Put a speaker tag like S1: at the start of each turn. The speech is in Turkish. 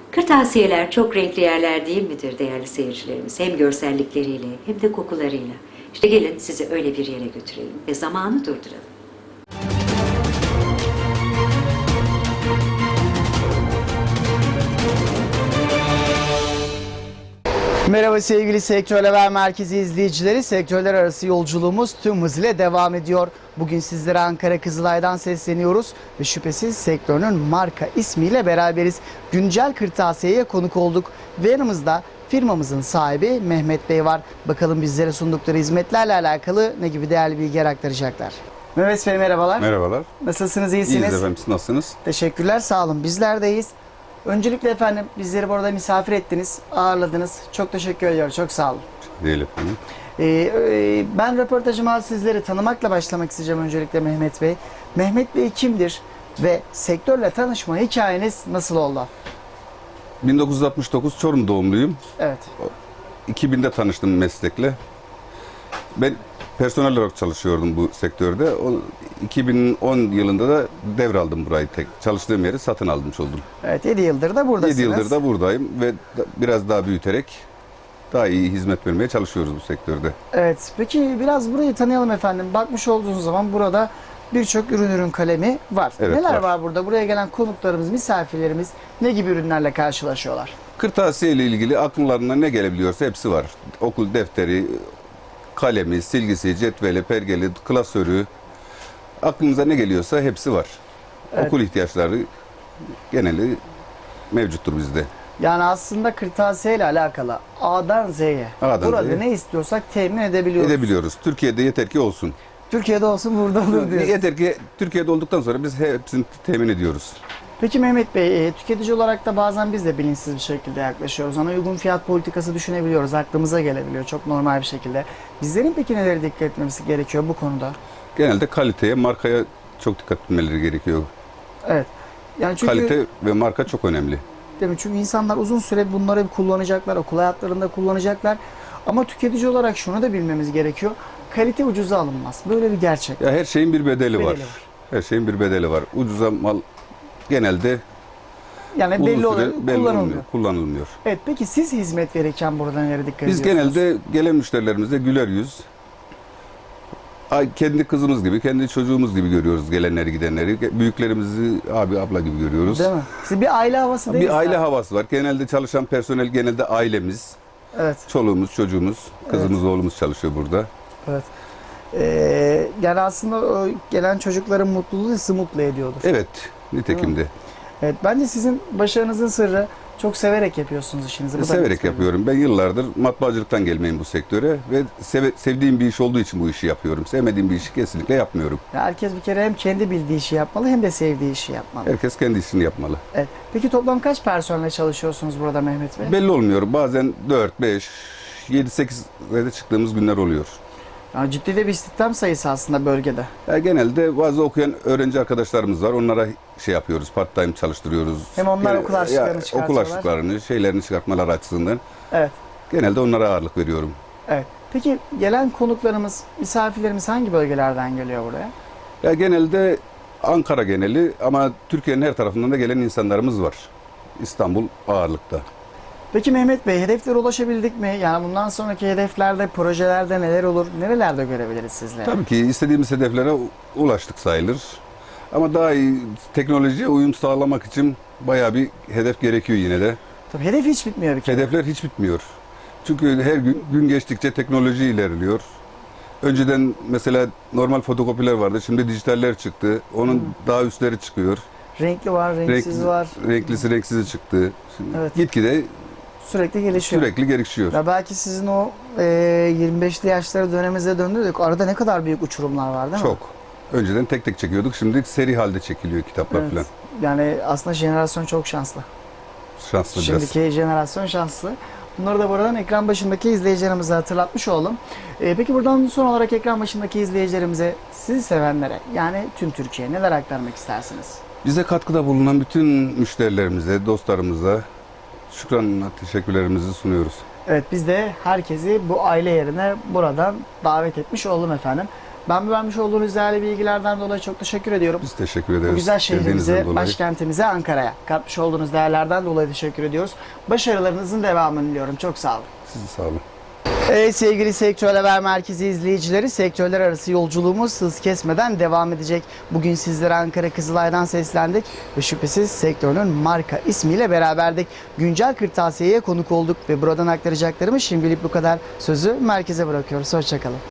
S1: Kırtasiyeler çok renkli yerler değil midir değerli seyircilerimiz? Hem görsellikleriyle hem de kokularıyla. İşte gelin sizi öyle bir yere götürelim ve zamanı durduralım.
S2: Merhaba sevgili Sektör Haber Merkezi izleyicileri. Sektörler arası yolculuğumuz tüm hızıyla devam ediyor. Bugün sizlere Ankara Kızılay'dan sesleniyoruz ve şüphesiz sektörün marka ismiyle beraberiz. Güncel Kırtasiye'ye konuk olduk ve yanımızda firmamızın sahibi Mehmet Bey var. Bakalım bizlere sundukları hizmetlerle alakalı ne gibi değerli bilgiler aktaracaklar. Mehmet Bey merhabalar.
S3: Merhabalar.
S2: Nasılsınız, iyisiniz?
S3: İyiyiz efendim, siz nasılsınız?
S2: Teşekkürler, sağ olun. Bizler de iyiyiz. Öncelikle efendim bizleri burada misafir ettiniz, ağırladınız. Çok teşekkür ediyorum, çok sağ olun.
S3: Değil efendim.
S2: Ben röportajıma sizleri tanımakla başlamak isteyeceğim öncelikle Mehmet Bey. Mehmet Bey kimdir ve sektörle tanışma hikayeniz nasıl oldu?
S3: 1969 Çorum doğumluyum.
S2: Evet.
S3: 2000'de tanıştım meslekle. Ben personel olarak çalışıyordum bu sektörde. 2010 yılında da devraldım burayı çalıştığım yeri satın almış oldum.
S2: Evet, 7 yıldır da buradasınız.
S3: 7 yıldır da buradayım ve biraz daha büyüterek daha iyi hizmet vermeye çalışıyoruz bu sektörde.
S2: Evet, peki biraz burayı tanıyalım efendim. Bakmış olduğunuz zaman burada birçok ürün kalemi var.
S3: Evet,
S2: Neler
S3: var.
S2: var burada? Buraya gelen konuklarımız, misafirlerimiz ne gibi ürünlerle karşılaşıyorlar?
S3: Kırtasiye ile ilgili akllarına ne gelebiliyorsa hepsi var. Okul defteri, kalemi, silgisi, cetveli, pergeli, klasörü, aklınıza ne geliyorsa hepsi var.
S2: Evet.
S3: Okul ihtiyaçları geneli mevcuttur bizde.
S2: Yani aslında kırtasiye ile alakalı A'dan Z'ye burada
S3: Z'ye
S2: ne istiyorsak temin edebiliyoruz.
S3: Edebiliyoruz. Türkiye'de yeter ki olsun.
S2: Türkiye'de olsun, burada olur diyoruz.
S3: Yeter ki Türkiye'de olduktan sonra biz hepsini temin ediyoruz.
S2: Peki Mehmet Bey, tüketici olarak da bazen biz de bilinçsiz bir şekilde yaklaşıyoruz. Ona uygun fiyat politikası düşünebiliyoruz, aklımıza gelebiliyor çok normal bir şekilde. Bizlerin peki neleri dikkat etmemiz gerekiyor bu konuda?
S3: Genelde kaliteye, markaya çok dikkat etmeleri gerekiyor.
S2: Evet. Yani çünkü,
S3: Kalite ve marka çok önemli.
S2: değil mi? Çünkü insanlar uzun süre bunları kullanacaklar, okul hayatlarında kullanacaklar. Ama tüketici olarak şunu da bilmemiz gerekiyor. Kalite ucuza alınmaz. Böyle bir gerçek.
S3: Ya her şeyin bir bedeli var.
S2: Bedeli var.
S3: Her şeyin bir bedeli var. Ucuza mal genelde
S2: Yani
S3: uzun
S2: belli
S3: süre
S2: oluyor, kullanılmıyor.
S3: kullanılmıyor.
S2: Evet, peki siz hizmet verirken burada nelere dikkat
S3: Biz
S2: ediyorsunuz?
S3: genelde gelen müşterilerimize güler yüz, kendi kızımız gibi, kendi çocuğumuz gibi görüyoruz gelenleri gidenleri. Büyüklerimizi abi abla gibi görüyoruz.
S2: Değil mi? Siz bir aile havası değil mi?
S3: Bir aile havası var. Genelde çalışan personel genelde ailemiz.
S2: Evet.
S3: Çoluğumuz, çocuğumuz, kızımız, oğlumuz çalışıyor burada.
S2: Evet. Yani aslında o gelen çocukların mutluluğu sizi mutlu ediyordur.
S3: Evet, nitekim de.
S2: Evet, bence sizin başarınızın sırrı çok severek yapıyorsunuz işinizi. Bu da
S3: Severek
S2: net
S3: yapıyorum. Ben yıllardır matbaacılıktan gelmeyim bu sektöre ve sevdiğim bir iş olduğu için bu işi yapıyorum. Sevmediğim bir işi kesinlikle yapmıyorum.
S2: Ya herkes bir kere hem kendi bildiği işi yapmalı hem de sevdiği işi yapmalı.
S3: Herkes kendi işini yapmalı.
S2: Evet. Peki toplam kaç personelle çalışıyorsunuz burada Mehmet Bey?
S3: Belli olmuyor. Bazen 4, 5, 7, 8'e çıktığımız günler oluyor.
S2: Yani ciddi de bir istihdam sayısı aslında bölgede.
S3: Genelde bazı okuyan öğrenci arkadaşlarımız var. Onlara şey yapıyoruz, part time çalıştırıyoruz.
S2: Hem onlar okul harçlıklarını
S3: Okul
S2: çıkartıyorlar.
S3: harçlıklarını, şeylerini çıkartmaları açısından.
S2: Evet.
S3: Genelde onlara ağırlık veriyorum.
S2: Evet. Peki gelen konuklarımız, misafirlerimiz hangi bölgelerden geliyor buraya?
S3: Genelde Ankara geneli ama Türkiye'nin her tarafından da gelen insanlarımız var. İstanbul ağırlıkta.
S2: Peki Mehmet Bey, hedeflere ulaşabildik mi? Yani bundan sonraki hedeflerde, projelerde neler olur? Nerelerde görebiliriz sizleri?
S3: Tabii ki istediğimiz hedeflere ulaştık sayılır. Ama daha iyi teknolojiye uyum sağlamak için bayağı bir hedef gerekiyor yine de.
S2: Tabii hedef hiç bitmiyor bir kere.
S3: Hedefler hiç bitmiyor. Çünkü her gün geçtikçe teknoloji ilerliyor. Önceden mesela normal fotokopiler vardı. Şimdi dijitaller çıktı. Onun daha üstleri çıkıyor.
S2: Renkli var, renksiz var.
S3: Renklisi renksizi çıktı. Şimdi
S2: Evet.
S3: gitgide
S2: Sürekli gelişiyor.
S3: sürekli gelişiyor.
S2: Ya belki sizin o 25'li yaşları döneminize döndürdük. Arada ne kadar büyük uçurumlar var değil mi?
S3: Çok. Önceden tek tek çekiyorduk. Şimdi seri halde çekiliyor kitaplar
S2: Evet.
S3: falan.
S2: Yani aslında jenerasyon çok şanslı.
S3: Şanslı biraz.
S2: Şimdiki jenerasyon şanslı. Bunları da buradan ekran başındaki izleyicilerimize hatırlatmış oldum. Peki buradan son olarak ekran başındaki izleyicilerimize, sizi sevenlere, yani tüm Türkiye'ye neler aktarmak istersiniz?
S3: Bize katkıda bulunan bütün müşterilerimize, dostlarımıza şükranla teşekkürlerimizi sunuyoruz.
S2: Evet, biz de herkesi bu aile yerine buradan davet etmiş oldum efendim. Ben vermiş olduğunuz değerli bilgilerden dolayı çok teşekkür ediyorum.
S3: Biz teşekkür ederiz.
S2: Bu güzel
S3: Sevdiğinizden
S2: şehrimize,
S3: dolayı.
S2: başkentimize, Ankara'ya katmış olduğunuz değerlerden dolayı teşekkür ediyoruz. Başarılarınızın devamını diliyorum. Çok sağ olun.
S3: Sizi sağ olun.
S2: Evet sevgili Sektör Haber Merkezi izleyicileri, sektörler arası yolculuğumuz hız kesmeden devam edecek. Bugün sizlere Ankara Kızılay'dan seslendik ve şüphesiz sektörün marka ismiyle beraberdik. Güncel Kırtasiye'ye konuk olduk ve buradan aktaracaklarımız şimdilik bu kadar. Sözü merkeze bırakıyoruz. Hoşçakalın.